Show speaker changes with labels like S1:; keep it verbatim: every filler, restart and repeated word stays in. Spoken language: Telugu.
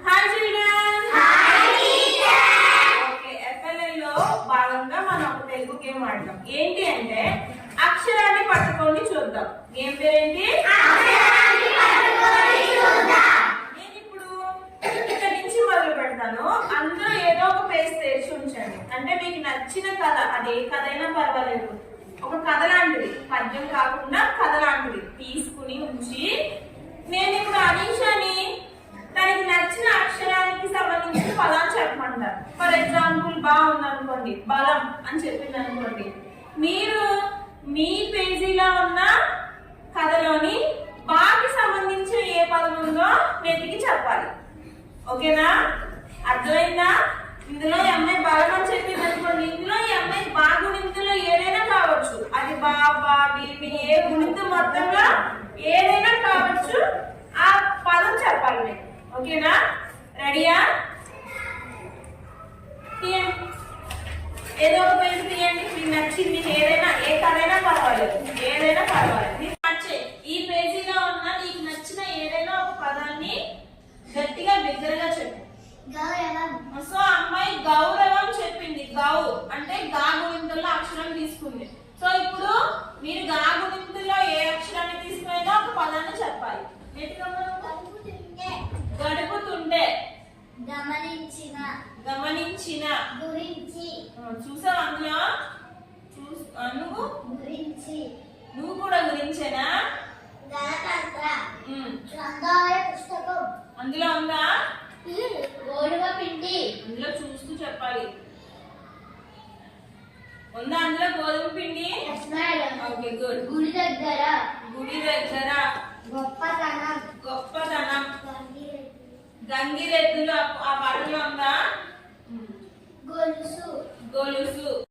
S1: Hi children. Hi teacher. Okay, FLL లో భాగంగా మనం ఒక తెలుగు గేమ్ ఆడదాం. ఏంటి అంటే అక్షరాన్ని పట్టుకొని చూద్దాం. గేమ్ పేరేంటి? అక్షరాన్ని పట్టుకొని చూద్దాం. నేను ఇప్పుడు ఇక్కడ నుంచి మొదలు పెడతాను. అందరూ ఏదో ఒక పేజ్ తెరిచి ఉంచండి. అంటే మీకు నచ్చిన కథ, అది ఏ కథ అయినా పర్వాలేదు, ఒక కథ లాంటిది, పద్యం కాకుండా కథ లాంటిది తీసుకుని ఉంచి నేను ఇప్పుడు అనీషాని తనకి నచ్చిన అక్షరానికి సంబంధించిన పదాన్ని చెప్పమంటారు. ఫర్ ఎగ్జాంపుల్ బాగుంది అనుకోండి, బలం అని చెప్పింది అనుకోండి, మీరు మీ పేజీలో ఉన్న కథలోని బాకి సంబంధించిన ఏ పదం ఉందో వెతికి చెప్పాలి. ఓకేనా? అర్థమైందా? ఇందులో ఈ అమ్మాయి బలం అని చెప్పింది అనుకోండి, ఇందులో ఈ అమ్మాయి బా గుణింతులో ఏదైనా కావచ్చు, అది బా బా బి ఏ గుణింతు మొత్తంలో ఏదైనా కావచ్చు, ఆ పదం చెప్పాలి మీరు. ఓకేనా? రెడీయా? తీయండి, ఏదో ఒక పేరు తీయండి. మీకు నచ్చింది ఏదైనా, ఏ కథైనా పర్వాలేదు, ఏదైనా పర్వాలేదు. నచ్చే ఈ పేజీలో ఉన్న నీకు నచ్చిన ఏదైనా ఒక పదాన్ని గట్టిగా బిగ్గరగా చెప్పు. సో అమ్మాయి గౌరవం చెప్పింది. గౌ అంటే గా గుణింతుల్లో అక్షరం తీసుకుంది. సో ఇప్పుడు మీరు గా గుణింతుల్లో ఏ అక్షరాన్ని తీసుకునేదో ఒక పదాన్ని చెప్పాలి. గడుపుతుండే,
S2: గమనించిన,
S1: గమనించిన,
S2: గురించి,
S1: చూసావు అందులో, నువ్వు
S2: గురించి,
S1: నువ్వు కూడా గురించేనా?
S2: గణతంత్ర, గ్రంథాలయ పుస్తకం,
S1: అందులో ఉందా?
S2: గోధుమ పిండి,
S1: అందులో చూస్తూ చెప్పాలి. ఉందా అందులో గోధుమ పిండి? Okay, good.
S2: గుడి దగ్గర,
S1: గుడి దగ్గర,
S2: గొప్పతనం,
S1: గొప్పతనం, గంగిరెద్దులు ఆ పాటలో ఉందా?
S2: గొలుసు,
S1: గొలుసు,